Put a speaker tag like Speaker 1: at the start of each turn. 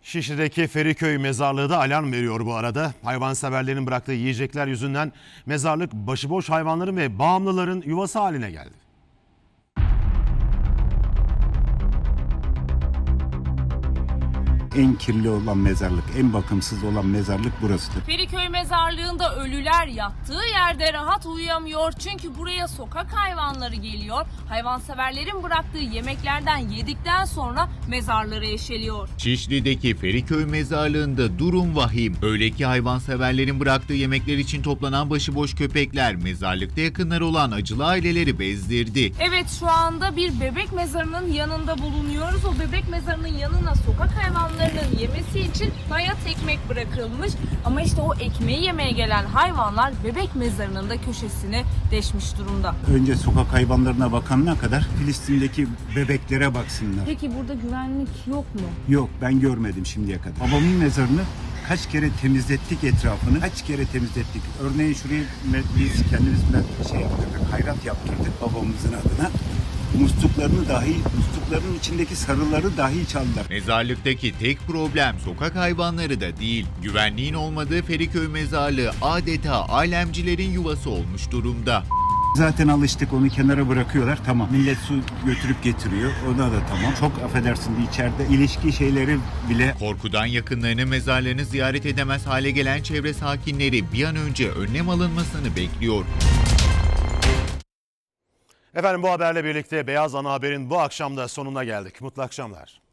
Speaker 1: Şişli'deki Feriköy mezarlığı da alarm veriyor bu arada. Hayvanseverlerin bıraktığı yiyecekler yüzünden mezarlık başıboş hayvanların ve bağımlıların yuvası haline geldi.
Speaker 2: En kirli olan mezarlık, en bakımsız olan mezarlık burasıdır.
Speaker 3: Feriköy mezarlığında ölüler yattığı yerde rahat uyuyamıyor. Çünkü buraya sokak hayvanları geliyor. Hayvanseverlerin bıraktığı yemeklerden yedikten sonra mezarları eşeliyor.
Speaker 4: Şişli'deki Feriköy mezarlığında durum vahim. Öyle ki hayvanseverlerin bıraktığı yemekler için toplanan başıboş köpekler mezarlıkta yakınları olan acılı aileleri bezdirdi.
Speaker 3: Evet, şu anda bir bebek mezarının yanında bulunuyoruz. O bebek mezarının yanına sokak hayvanlarının yemesi için bayat ekmek bırakılmış. Ama işte o ekmeği yemeye gelen hayvanlar bebek mezarının da köşesini deşmiş durumda.
Speaker 2: Önce sokak hayvanlarına bakanına kadar Filistin'deki bebeklere baksınlar.
Speaker 3: Peki burada güvenlik yok mu?
Speaker 2: Yok, ben görmedim şimdiye kadar. Babamın mezarını kaç kere temizlettik etrafını, kaç kere temizlettik. Örneğin şurayı biz kendimiz yaptırdık, hayrat yaptırdık babamızın adına. Muslukların içindeki sarıları dahi çaldılar.
Speaker 4: Mezarlıktaki tek problem sokak hayvanları da değil. Güvenliğin olmadığı Feriköy mezarlığı adeta alemcilerin yuvası olmuş durumda.
Speaker 2: Zaten alıştık, onu kenara bırakıyorlar, tamam. Millet su götürüp getiriyor, ona da tamam. Çok affedersin, içeride ilişki şeyleri bile.
Speaker 4: Korkudan yakınlarının mezarlarını ziyaret edemez hale gelen çevre sakinleri bir an önce önlem alınmasını bekliyor.
Speaker 1: Efendim, bu haberle birlikte Beyaz Ana Haber'in bu akşam da sonuna geldik. Mutlu akşamlar.